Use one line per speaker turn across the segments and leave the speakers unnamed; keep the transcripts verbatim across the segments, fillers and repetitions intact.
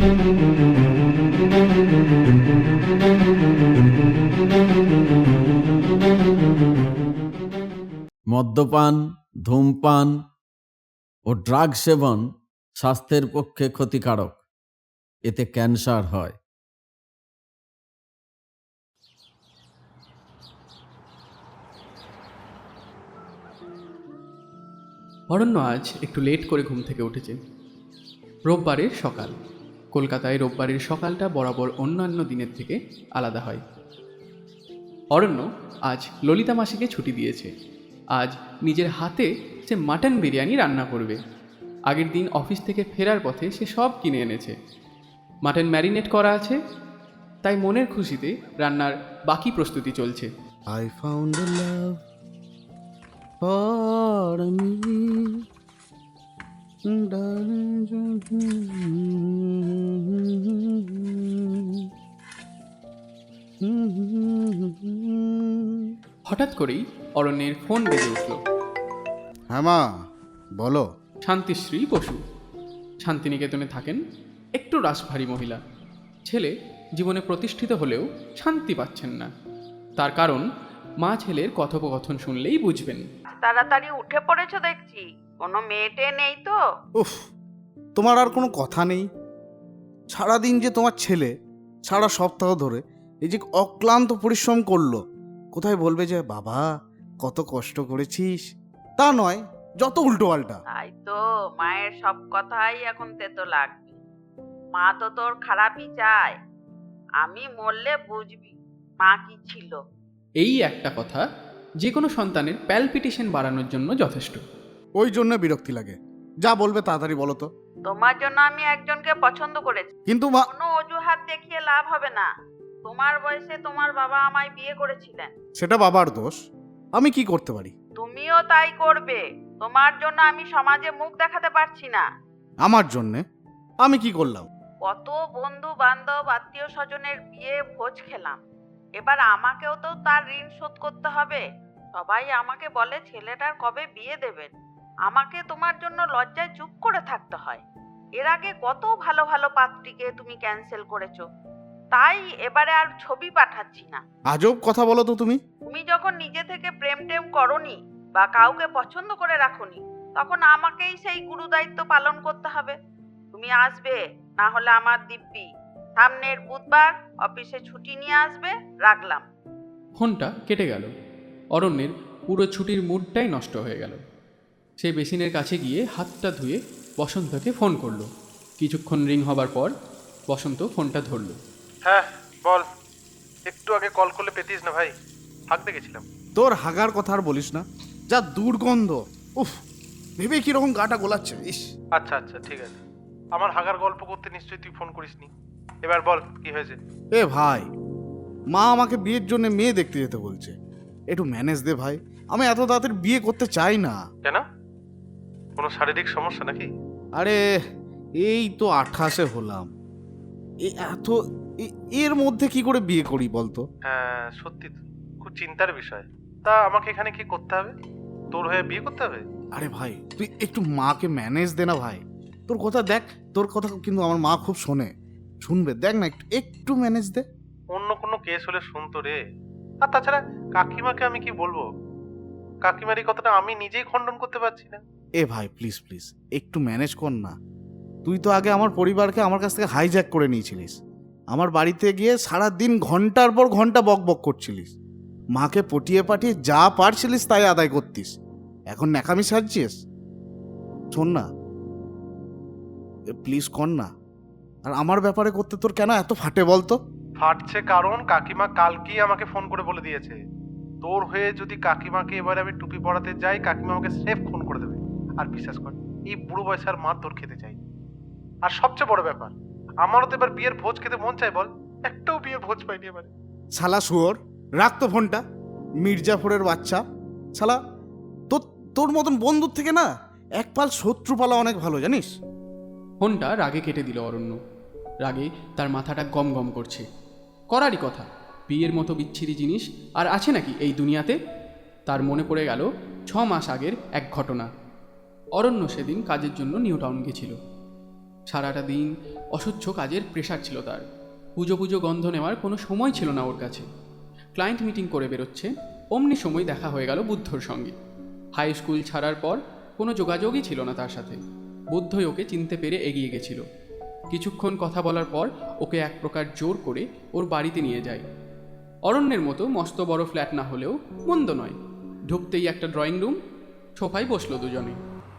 মদ্যপান, ধূমপান ও ড্রাগ সেবন স্বাস্থ্যের পক্ষে ক্ষতিকারক। এতে ক্যান্সার হয়।
অরণ্য আজ একটু লেট করে ঘুম থেকে উঠেছে। রোববারের সকাল। কলকাতায় রোববারের সকালটা বরাবর অন্যান্য দিনের থেকে আলাদা হয়। অরণ্য আজ ললিতা মাসিকে ছুটি দিয়েছে। আজ নিজের হাতে সে মাটন বিরিয়ানি রান্না করবে। আগের দিন অফিস থেকে ফেরার পথে সে সব কিনে এনেছে। মাটন ম্যারিনেট করা আছে, তাই মনের খুশিতে রান্নার বাকি প্রস্তুতি চলছে।
I found a love for me.
হঠাৎ করেই অরণ্যের ফোন বেজে উঠল।
হ্যাঁ মা, বলো।
শান্তিশ্রী বসু শান্তিনিকেতনে থাকেন, একটু রাশভারী মহিলা। ছেলে জীবনে প্রতিষ্ঠিত হলেও শান্তি পাচ্ছেন না। তার কারণ মা ছেলের কথোপকথন শুনলেই বুঝবেন।
তাড়াতাড়ি উঠে পড়েছো দেখছি, কোনো মেয়েটে নেই তো?
উফ, তোমার আর কোনো কথা নেই। সারাদিন যে তোমার ছেলে সারা সপ্তাহ ধরে এই যে অক্লান্ত পরিশ্রম করলো, কোথায় বলবে যে বাবা কত কষ্ট করেছিস? তা নয়, যত উল্টো পাল্টা।
তাই তো, মায়ের সব কথাই এখন তেতো লাগবে। মা তো তোর খারাপই চায়। আমি মরলে বুঝবি মা কি ছিল।
এই একটা কথা যে কোনো সন্তানের প্যালপিটেশন বাড়ানোর জন্য যথেষ্ট।
ওই জন্য বিরক্তি লাগে। যা বলবে তাড়াতাড়ি বলো তো।
তোমার জন্য আমি একজনকে পছন্দ করেছি,
কিন্তু মা,
কোনো অজুহাত দেখিয়ে লাভ হবে না। তোমার বয়সে তোমার বাবা আমায় বিয়ে করেছিলেন।
সেটা বাবার দোষ, আমি কি করতে পারি?
তুমিও তাই করবে। তোমার জন্য আমি সমাজে মুখ দেখাতে পারছি না।
আমার জন্যে আমি কি করলাম?
কত বন্ধু বান্ধব আত্মীয় স্বজনের বিয়ে ভোজ খেলাম, এবার আমাকেও তো তার ঋণ শোধ করতে হবে। সবাই আমাকে বলে ছেলেটার কবে বিয়ে দেবেন। আমাকে তোমার জন্য লজ্জায় চুপ করে থাকতে হয়। এর আগে কত ভালো ভালো পাত্রীকে তুমি ক্যান্সেল করেছো, তাই এবারে আর ছবি পাঠাচ্ছি না।
আজব কথা বলো তো তুমি।
তুমি যখন নিজে থেকে প্রেম টেম করনি বা কাউকে পছন্দ করে রাখোনি, তখন আমাকেই সেই গুরু দায়িত্ব পালন করতে হবে। তুমি আসবে, না হলে আমার দিব্যি। সামনের বুধবার অফিসে ছুটি নিয়ে আসবে। রাখলাম।
ফোনটা কেটে গেল। অরণ্যের পুরো ছুটির মুডটাই নষ্ট হয়ে গেল। সে বেসিনের কাছে গিয়ে হাতটা ধুয়ে বসন্তকে ফোন করলো। কিছুক্ষণ রিং হবার পর বসন্ত ফোনটা ধরল।
হ্যাঁ বল, একটু আগে কল করলে পেতিস না ভাই, হাঁক দেখেছিলাম।
তোর হাগার কথা আর বলিস না, যা দুর্গন্ধ। উফ, ভেবে কিরকম গাটা গোলাচ্ছে। ইস।
আচ্ছা আচ্ছা ঠিক আছে, আমার হাগার গল্প করতে নিশ্চয়ই তুই ফোন করিসনি। এবার বল কি হয়েছে।
এ ভাই, মা আমাকে বিয়ের জন্য মেয়ে দেখতে যেতে বলছে। একটু ম্যানেজ দে ভাই, আমি এত তাড়াতাড়ি বিয়ে করতে চাই না।
কেন, কোনো শারীরিক সমস্যা নাকি?
আরে এই তো আঠাশে হলাম, এই এত এ- এর মধ্যে কি করে বিয়ে করি বলতো?
হ্যাঁ সত্যি তো, খুব চিন্তার বিষয়। তা আমাকে এখানে কি করতে হবে? তোর হয়ে বিয়ে করতে হবে?
আরে ভাই তুই একটু মাকে ম্যানেজ দে না ভাই। তোর কথা দেখ, তোর কথা কিন্তু আমার মা খুব শোনে, শুনবে, দেখ না একটু একটু ম্যানেজ দে।
অন্য কোনো কেস হলে শুনতো রে। আর তাছাড়া কাকিমাকে আমি কি বলবো? কাকিমার এই কথাটা আমি নিজেই খণ্ডন করতে পারছি না।
এ ভাই প্লিজ প্লিজ একটু ম্যানেজ কর না। তুই তো আগে আমার পরিবারকে আমার কাছ থেকে হাইজ্যাক করে নিয়েছিলিস। আমার বাড়িতে গিয়ে সারা দিন ঘন্টার পর ঘন্টা বক বক করছিলিস। মাকে পটিয়ে পাঠিয়ে যা পারছিলিস তাই আদায় করতিস। এখন ন্যাকামি সাজছিস। শোন না, প্লিজ কর না। আর আমার ব্যাপারে করতে তোর কেন এত ফাটে বলতো?
ফাটছে কারণ কাকিমা কালকেই আমাকে ফোন করে বলে দিয়েছে, তোর হয়ে যদি কাকিমাকে এবারে আমি টুপি পরাতে যাই, কাকিমা আমাকে সেফ ফোন করে দেবে। আর বিশ্বাস কর, এই বুড়ো বয়সের মার তোর খেতে চাই। আর সবচেয়ে বড় ব্যাপার, আমারও তো এবার বিয়ের ভোজ খেতে মন চাই। বল, একটাও বিয়ের ভোজ পাইনি এবারে।
শালা শুয়োর, রাখ তো ফোনটা। মির্জাফরের বাচ্চা শালা, তোর তোর মতন বন্ধুর থেকে না এক পাল শত্রু পালা অনেক ভালো, জানিস?
ফোনটা রাগে কেটে দিল অরণ্য। রাগে তার মাথাটা গম গম করছে। করারই কথা, বিয়ের মতো বিচ্ছিরি জিনিস আর আছে নাকি এই দুনিয়াতে? তার মনে পড়ে গেল ছ মাস আগের এক ঘটনা। অরণ্য সেদিন কাজের জন্য নিউ টাউন গেছিল। সারাটা দিন অসহ্য কাজের প্রেশার ছিল তার। পুজো পুজো গন্ধ নেওয়ার কোনো সময় ছিল না ওর কাছে। ক্লায়েন্ট মিটিং করে বেরোচ্ছে, অমনি সময় দেখা হয়ে গেল বুদ্ধর সঙ্গে। হাই স্কুল ছাড়ার পর কোনো যোগাযোগই ছিল না তার সাথে। বুদ্ধই ওকে চিনতে পেরে এগিয়ে গেছিল। কিছুক্ষণ কথা বলার পর ওকে এক প্রকার জোর করে ওর বাড়িতে নিয়ে যায়। অরণ্যের মতো মস্ত বড় ফ্ল্যাট না হলেও মন্দ নয়। ঢুকতেই একটা ড্রয়িং রুম, সোফায় বসলো দুজনে।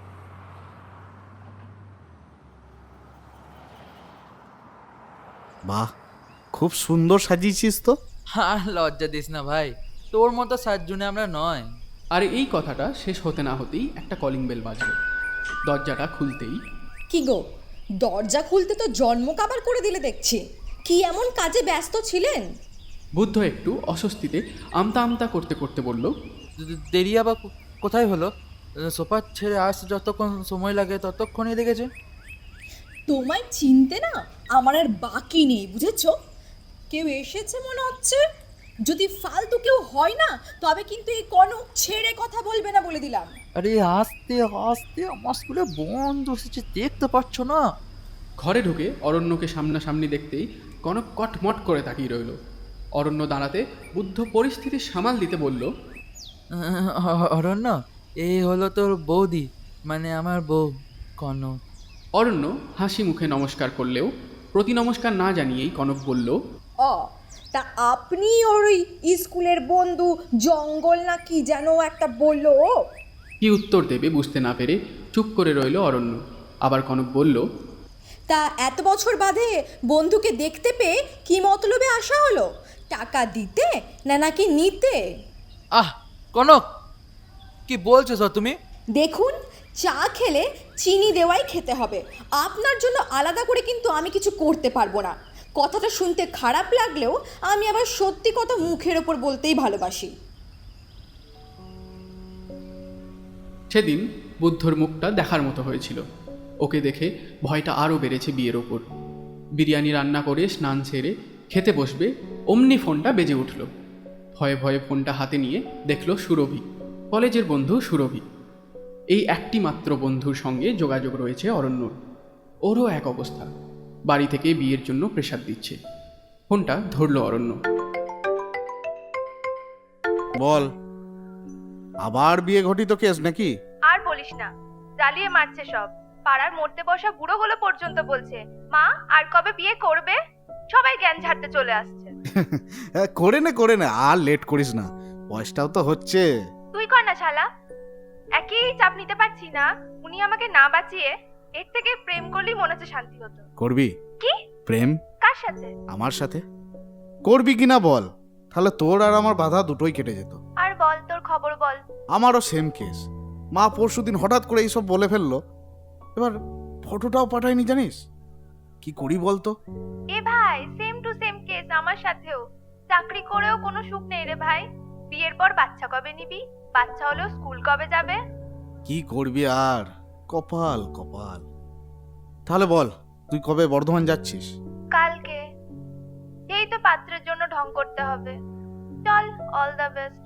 বাহ, খুব সুন্দর সাজিয়েছিস তো।
আর লজ্জা দিস না ভাই, তোর মতো সাতজনে আমরা নয়।
আর এই কথাটা শেষ হতে না হতেই একটা কলিং বেল বাজলো। দরজাটা খুলতেই,
কি গো, দরজা খুলতে তো জন্ম কাবার করে দিলে দেখছি। কি এমন কাজে ব্যস্ত ছিলেন?
বুদ্ধ একটু অস্বস্তিতে আমতা আমতা করতে করতে বলল,
দে- দেরি আবার কো- কোথায় হলো? সোফা ছেড়ে আসতে যতক্ষণ সময় লাগে ততক্ষণই লেগেছে।
তোমায় চিনতে না আমার আর বাকি নেই, বুঝেছো? কেউ এসেছে মনে হচ্ছে। যদি ফালতু কেউ হয় না, তবে কিন্তু এই কনক ছেড়ে কথা বলবে না বলে দিলাম।
আরে আস্তে আস্তে, আমার স্কুলে বন্ধু এসেছে, দেখতে পাচ্ছ না?
ঘরে ঢুকে অরণ্যকে সামনাসামনি দেখতেই কনক কটমট করে তাকিয়ে রইল। অরণ্য দাঁড়াতে বুদ্ধ পরিস্থিতি সামাল দিতে বলল,
আহ, অরণ্য, এই হলো তোর বৌদি, মানে আমার বউ কনক।
অরণ্য হাসি মুখে নমস্কার করলেও প্রতি নমস্কার না জানিয়েই কনক বলল,
ও, তা আপনি ওর ওই স্কুলের বন্ধু জঙ্গল না কি যেন একটা বললো?
কি উত্তর দেবে বুঝতে না পেরে চুপ করে রইল অরণ্য। আবার কনক বলল,
তা এত বছর বাদে বন্ধুকে দেখতে পেয়ে কি মতলবে আসা হলো? টাকা দিতে না নাকি নিতে?
আহ কনক, কি বলছো স্যার তুমি?
দেখুন, চা খেলে চিনি দেওয়াই খেতে হবে। আপনার জন্য আলাদা করে কিন্তু আমি কিছু করতে পারবো না। কথাটা শুনতে খারাপ লাগলেও আমি আবার সত্যি কথা মুখের ওপর বলতেই ভালোবাসি।
সেদিন বুদ্ধর মুখটা দেখার মতো হয়েছিল। ওকে দেখে ভয়টা আরও বেড়েছে বিয়ের ওপর। বিরিয়ানি রান্না করে স্নান সেরে খেতে বসবে, অমনি ফোনটা বেজে উঠল। ভয়ে ভয়ে ফোনটা হাতে নিয়ে দেখল সুরভি, কলেজের বন্ধু সুরভি। এই একটি মাত্র বন্ধুর সঙ্গে যোগাযোগ রয়েছে অরণ্যর। ওরও এক অবস্থা, বাড়ি থেকে বিয়ের জন্য প্রেশার দিচ্ছে। ফোনটা ধরল অরণ্য।
বল, আবার বিয়ে ঘটিত কেস নাকি?
আর বলিস না, জ্বালিয়ে মারছে সব। পাড়ার মরতে বসা বুড়োগুলো পর্যন্ত বলছে, মা আর কবে বিয়ে করবে? সবাই জ্ঞান ঝাড়তে চলে আসছে।
করে নে করে নে, আর লেট করিস না, বয়সটাও তো হচ্ছে।
তুই কর না শালা, একই চাপ নিতে পারছি না। উনি আমাকে না বাঁচিয়ে এর থেকে প্রেম করলেই মনে হচ্ছে শান্তি হতো।
করবি
কি?
প্রেম?
কার সাথে?
আমার সাথে করবি কিনা বল, তাহলে তোর আর আমার বাধা দুটোই কেটে যেত।
আর বল, তোর খবর বল।
আমারও সেম কেস। মা পরশুদিন হঠাৎ করে এইসব বলে ফেললো। এবার ফটোটাও পাঠায়নি, জানিস কি করি বলতো?
এ ভাই, সেম টু সেম কেস আমার সাথেও। চাকরি করেও কোনো সুখ নেই রে ভাই। বিয়ের পর বাচ্চা কবে নিবি? বাচ্চা হলেও স্কুল কবে যাবে?
কি করবি আর, কপাল কপাল। তাহলে বল, তুই কবে বর্ধমান যাচ্ছিস?
কালকে। এই তো পাত্রের জন্য ঢং করতে হবে। চল, অল দ্য বেস্ট।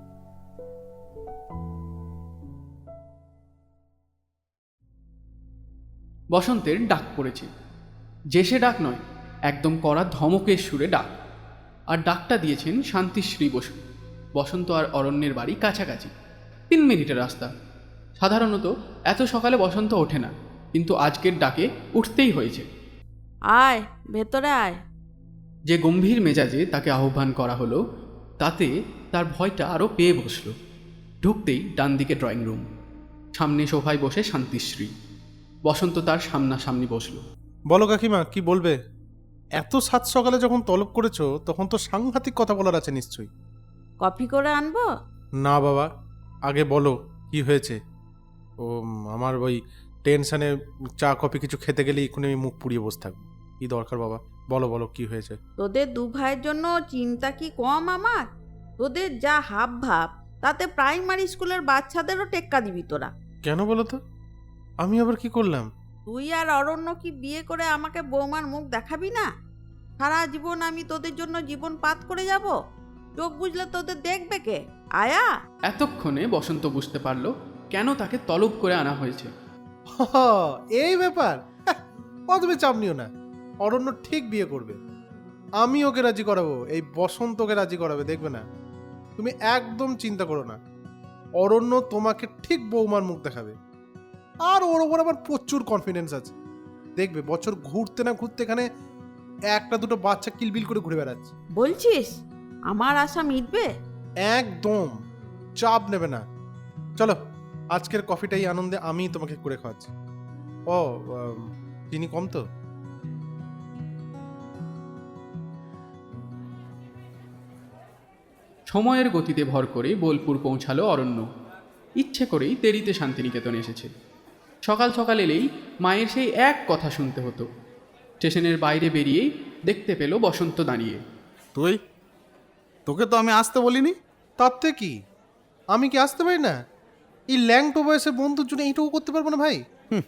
বসন্তের ডাক পড়েছে। যে সে ডাক নয়, একদম কড়া ধমকের সুরে ডাক। আর ডাকটা দিয়েছেন শান্তিশ্রী বসু। বসন্ত আর অরণ্যের বাড়ি কাছাকাছি, তিন মিনিটের রাস্তা। সাধারণত এত সকালে বসন্ত ওঠে না, কিন্তু আজকের ডাকে উঠতেই হয়েছে।
আয় ভেতরে আয়।
যে গম্ভীর মেজাজে তাকে আহ্বান করা হলো, তাতে তার ভয়টা আরও পেয়ে বসল। ঢুকতেই ডান দিকে ড্রয়িং রুম, সামনে সোফায় বসে শান্তিশ্রী। বসন্ত তার সামনাসামনি বসল।
বলো কাকিমা, কি বলবে? এত সাত সকালে যখন তলব করেছো, তখন তো সাংঘাতিক কথা বলার আছে নিশ্চয়ই।
কফি করে আনবো?
না বাবা, আগে বলো কি হয়েছে। ও আমার ওই টেনশনে চা কফি কিছু খেতে গেলে এক্ষুনি আমি মুখ পুড়িয়ে বসে থাকবো। কি দরকার বাবা, বলো বলো কি হয়েছে।
তোদের দু ভাইয়ের জন্য চিন্তা কি কম আমার? তোদের যা হাব ভাব, তাতে প্রাইমারি স্কুলের বাচ্চাদেরও টেক্কা দিবি তোরা।
কেন বলো তো, আমি আবার কি করলাম?
তুই আর অরণ্য কি বিয়ে করে আমাকে বৌমার মুখ দেখাবি না? সারা জীবন আমি তোদের জন্য জীবন পাত করে যাব? চোখ বুঝলে তোদের দেখবে কে? আয়া।
এতক্ষণে বসন্ত বুঝতে পারল কেন তাকে তলব করে আনা হয়েছে।
এই ব্যাপার, ও তুমি চাপ নিও না। অরণ্য ঠিক বিয়ে করবে। আমি ওকে রাজি করাবো, এই বসন্ত ওকে রাজি করাবে, দেখবে না। তুমি একদম চিন্তা করো না, অরণ্য তোমাকে ঠিক বৌমার মুখ দেখাবে। আর ওর ওপর আমার প্রচুর কনফিডেন্স আছে। দেখবে বছর ঘুরতে না ঘুরতে এখানে একটা দুটো বাচ্চা কিলবিল করে ঘুরে বেড়াচ্ছে।
বলছিস আমার আশা মিটবে?
একদম চাপ নেবে না। চলো, আজকের কফিটাই আনন্দে আমি তোমাকে করে খাওয়াচ্ছি। ও আম, চিনি কম তো?
সময়ের গতিতে ভর করে বোলপুর পৌঁছালো অরণ্য। ইচ্ছে করেই দেরিতে শান্তিনিকেতন এসেছে। সকাল সকাল এলেই মায়ের সেই এক কথা শুনতে হতো। স্টেশনের বাইরে বেরিয়েই দেখতে পেল বসন্ত দাঁড়িয়ে।
তুই, তোকে তো আমি আসতে বলিনি।
তাতে কি, আমি কি আসতে পারি না? এই ল্যাংটো বয়সে বন্ধুর জন্য এইটুকু করতে পারবো না ভাই?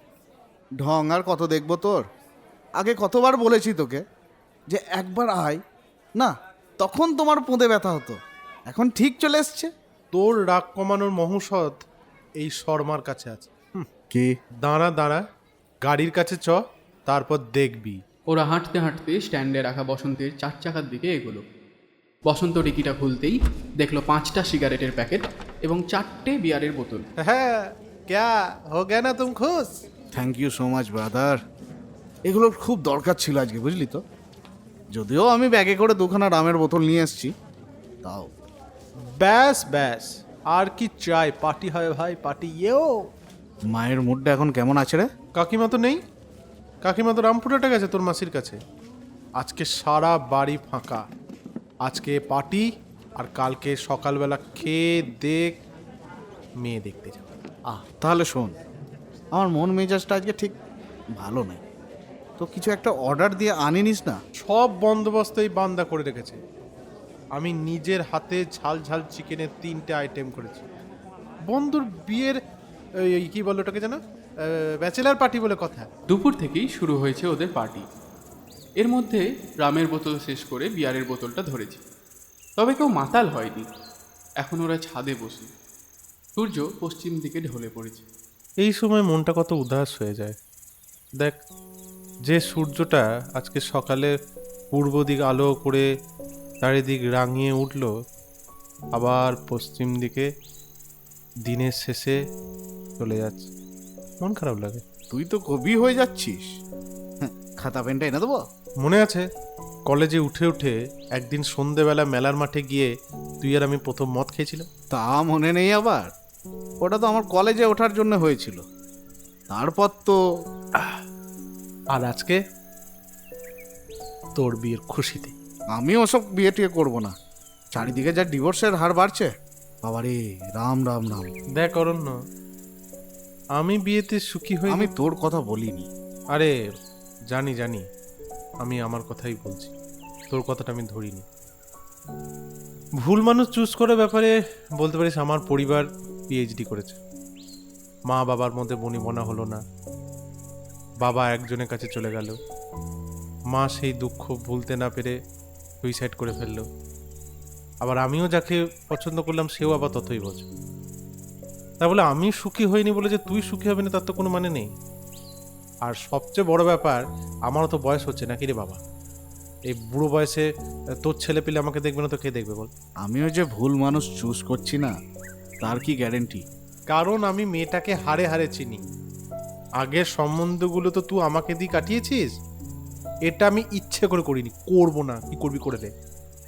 ঢং আর কত দেখবো তোর? আগে কতবার বলেছি তোকে যে একবার আয় না, তখন তোমার পোঁদে ব্যথা হতো। এখন ঠিক চলে এসছে।
তোর রাগ কমানোর মহৌষধ এই শর্মার কাছে আছে।
কি?
দাঁড়া দাঁড়া, গাড়ির কাছে চ, তারপর দেখবি।
ওরা হাঁটতে হাঁটতে স্ট্যান্ডে রাখা বসন্তের চার চাকার দিকে এগোলো। বসন্ত ডিকিটা খুলতেই দেখলো পাঁচটা সিগারেটের প্যাকেট এবং চারটে বিয়ারের বোতল।
হ্যাঁ, ক্যা হো গয়া না তুম খুশ?
Thank you so much brother. এগুলোর খুব দরকার ছিল আজকে, বুঝলি তো। যদিও আমি ব্যাগে করে দুখানা রামের বোতল নিয়ে এসেছি, তাও।
ব্যাস ব্যাস, আর কি চাই? পার্টি হয় ভাই, পার্টি। ইয়েও
মায়ের মুডটা এখন কেমন আছে রে?
কাকিমা তো নেই, কাকিমা তো রামপুরহাটে গেছে তোর মাসির কাছে। আজকে সারা বাড়ি ফাঁকা। আজকে পার্টি, আর কালকে সকালবেলা খেয়ে দেখ মেয়ে দেখতে যাবে।
আহ তাহলে শোন, আমার মন মেজাজটা আজকে ঠিক ভালো নেই। তো কিছু একটা অর্ডার দিয়ে আনিনিস না?
সব বন্দোবস্ত এই বান্দা করে রেখেছে। আমি নিজের হাতে ঝাল ঝাল চিকেনের তিনটে আইটেম করেছি। বন্ধুর বিয়ের এই কি বলে ওটাকে যেন, ব্যাচেলার পার্টি বলে কথা।
দুপুর থেকেই শুরু হয়েছে ওদের পার্টি। এর মধ্যে রামের বোতল শেষ করে বিয়ারের বোতলটা ধরেছে। তবে কেউ মাতাল হয়নি। এখন ওরা ছাদে বসে। সূর্য পশ্চিম দিকে ঢলে পড়েছে।
এই সময় মনটা কত উদাস হয়ে যায়। দেখ, যে সূর্যটা আজকে সকালে পূর্ব দিক আলো করে চারিদিক রাঙিয়ে উঠল, আবার পশ্চিম দিকে দিনের শেষে চলে যাচ্ছে। মন খারাপ লাগে।
তুই তো কবি হয়ে যাচ্ছিস। হ্যাঁ, খাতা পেনটা এনে দেবো?
মনে আছে কলেজে উঠে উঠে একদিন সন্ধেবেলা মেলার মাঠে গিয়ে তুই আর আমি প্রথম মদ খেয়েছিলাম?
তা মনে নেই আবার? ওটা তো আমার কলেজে ওঠার জন্য হয়েছিল। তারপর তো
আর আজকে তোর বিয়ের খুশিতে।
আমি ওসব বিয়ে টিয়ে করবো না। চারিদিকে যা ডিভোর্সের হার বাড়ছে, বাবারে রাম রাম রাম।
দেখ অরণ্য, আমি বিয়েতে সুখী হই।
আমি তোর কথা বলিনি।
আরে জানি জানি, আমি আমার কথাই বলছি, তোর কথাটা আমি ধরিনি। ভুল মানুষ চুজ করার ব্যাপারে বলতে পারিস আমার পরিবার পিএইচডি করেছে। মা বাবার মধ্যে বনিবনা হলো না, বাবা একজনের কাছে চলে গেল, মা সেই দুঃখ ভুলতে না পেরে সুইসাইড করে ফেললো। আবার আমিও যাকে পছন্দ করলাম সেও আবার ততই বোঝে। তা বলে আমি সুখী হইনি বলে যে তুই সুখী হবে না তার তো কোনো মানে নেই। আর সবচেয়ে বড় ব্যাপার, আমারও তো বয়স হচ্ছে নাকি রে বাবা। এই বুড়ো বয়সে তোর ছেলে পেলে আমাকে দেখবে না তো কে দেখবে বল?
আমিও যে ভুল মানুষ চুজ করছি না তার কি গ্যারেন্টি?
কারণ আমি মেয়েটাকে হারে হারে চিনি। আগের সম্বন্ধগুলো তো তুই আমাকে দিয়ে কাটিয়েছিস। এটা আমি ইচ্ছে করে করিনি, করবো না। কি করবি করে দে।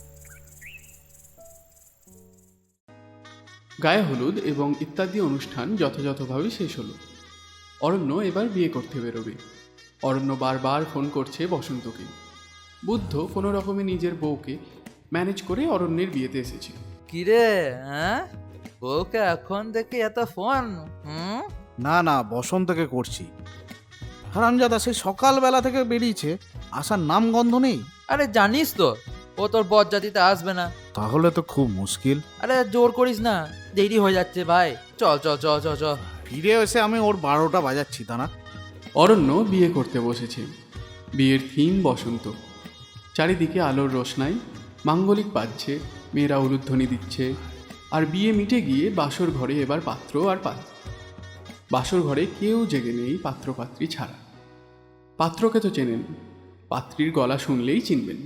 গায়ে হলুদ এবং ইত্যাদি অনুষ্ঠান যথাযথভাবে শেষ হলো। অরণ্য এবার বিয়ে করতে বেরোবে। অরণ্য বারবার ফোন করছে বসন্তকে। বুদ্ধ কোনো রকমে নিজের বউকে ম্যানেজ করে অরণ্যের বিয়েতে এসেছে।
কিরে, হ্যাঁ, বউকে এখন দেখে এত ফোন? হুম,
না না, বসন্তকে করছি। হারামজাদা সেই সকালবেলা থেকে বেরিয়েছে, আসার নাম গন্ধ নেই।
আরে জানিস তো ও তোর বরযাত্রীতে আসবে না।
তাহলে তো খুব মুশকিল।
আরে জোর করিস না, দেরি হয়ে যাচ্ছে ভাই। চল চল চল চল চল।
ফিরে এসে আমি ওর বারোটা বাজাচ্ছি তা না?
অরণ্য বিয়ে করতে বসেছে। বিয়ের থিম বসন্ত। চারিদিকে আলোর রোশনাই, মাঙ্গলিক বাজছে, মেয়েরা উলুধ্বনি দিচ্ছে। আর বিয়ে মিটে গিয়ে বাসর ঘরে এবার পাত্র আর পাত্র। বাসর ঘরে কেউ জেগে নেই পাত্র পাত্রী ছাড়া। পাত্রকে তো চেনেন, পাত্রীর গলা শুনলেই চিনবেন।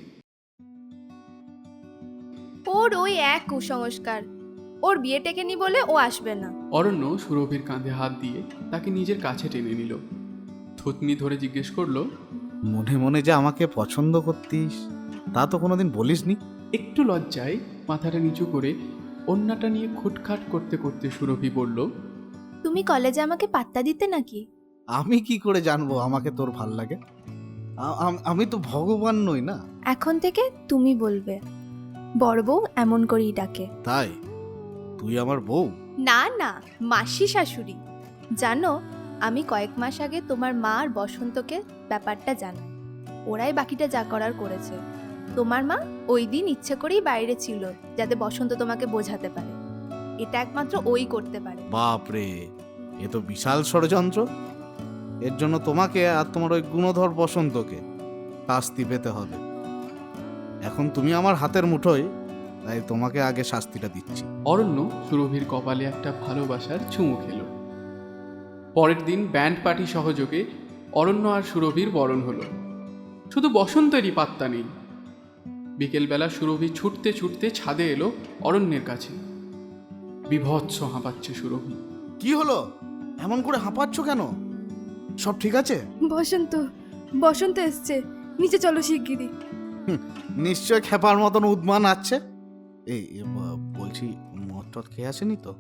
ওর ওই এক কুসংস্কার, ওর বিয়ে টেকেনি বলে ও আসবে না।
অরণ্য সুরভির কাঁধে হাত দিয়ে তাকে নিজের কাছে টেনে নিল। থুতনি ধরে জিজ্ঞেস করলো,
মনে মনে যে আমাকে পছন্দ করতিস তা তো কোনোদিন বলিসনি।
একটু লজ্জায় মাথাটা নিচু করে অন্যটা নিয়ে খুটখাট করতে করতে সুরভি বলল,
তুমি কলেজে আমাকে পাত্তা দিতে নাকি?
আমি কি করে জানবো আমাকে তোর ভাল লাগে? আ- আম- আমি তো ভগবান নই না।
এখন থেকে তুমি বলবে, বড় বউ এমন করেই ডাকে।
তাই তুই আমার বউ?
না না, মাসি শাশুড়ি। জানো, আমি কয়েক মাস আগে তোমার মা আর বসন্তকে ব্যাপারটা জানাই। ওরাই বাকিটা যা করার করেছে। তোমার মা ওই দিন ইচ্ছে করেই বাইরে ছিল যাতে বসন্ত তোমাকে বোঝাতে পারে। এটা একমাত্র ওই করতে পারে।
বাপরে, এ তো বিশাল ষড়যন্ত্র। এর জন্য তোমাকে আর তোমার ওই গুণধর বসন্তকে শাস্তি পেতে হবে। এখন তুমি আমার হাতের মুঠোয়, তাই তোমাকে আগে শাস্তিটা দিচ্ছি।
অরণ্য সুরভির কপালে একটা ভালোবাসার চুমু খেল। পরের দিন ব্যান্ড পার্টি সহযোগে অরণ্য আর সুরভির বরণ হলো। শুধু বসন্তেরই পাত্তা নেই। বিকেলবেলা সুরভি ছুটতে ছুটতে ছাদে এলো অরণ্যের কাছে। বিভৎস হাঁপাচ্ছে সুরভি।
কি হলো? এমন করে হাঁপাচ্ছ কেন? সব ঠিক আছে?
বসন্ত বসন্ত এসছে, নিচে চলো শিগগিরই।
নিশ্চয় খেপার মতন উদ্মান আছে। এই এ, ব- বলছি মদ টদ খেয়ে আসেনি তো?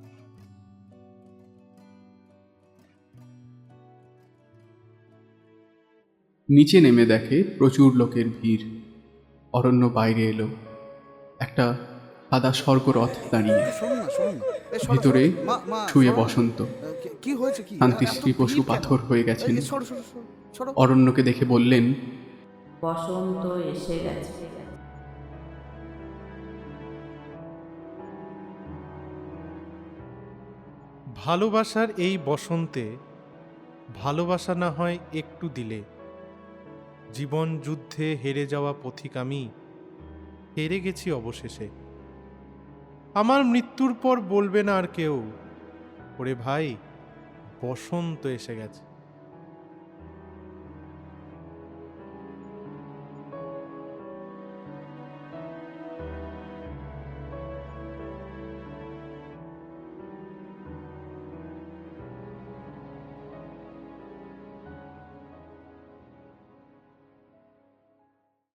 নিচে নেমে দেখে প্রচুর লোকের ভিড়। অরণ্য বাইরে এলো। একটা সাদা স্বর্গরথ দাঁড়িয়ে।
শোনো না, শোনো না। এ, সরো,
ভিতরে
সরো। মা, মা,
শুয়ে
সরো।
বসন্ত।
কি- কি হয়েছে? কি
শান্তিশ্রী
এত
পশু
ভিড় কেন?
পাথর হয়ে গেছেন।
এই, সরো, সরো, সরো, সরো।
অরণ্যকে দেখে বললেন,
বসন্ত এসে গেছে।
ভালোবাসার এই বসন্তে ভালোবাসা না হয় একটু দিলে। জীবন যুদ্ধে হেরে যাওয়া পথিক আমি হেরে গেছি অবশেষে। আমার মৃত্যুর পর বলবে না আর কেউ, ওরে ভাই বসন্ত এসে গেছে।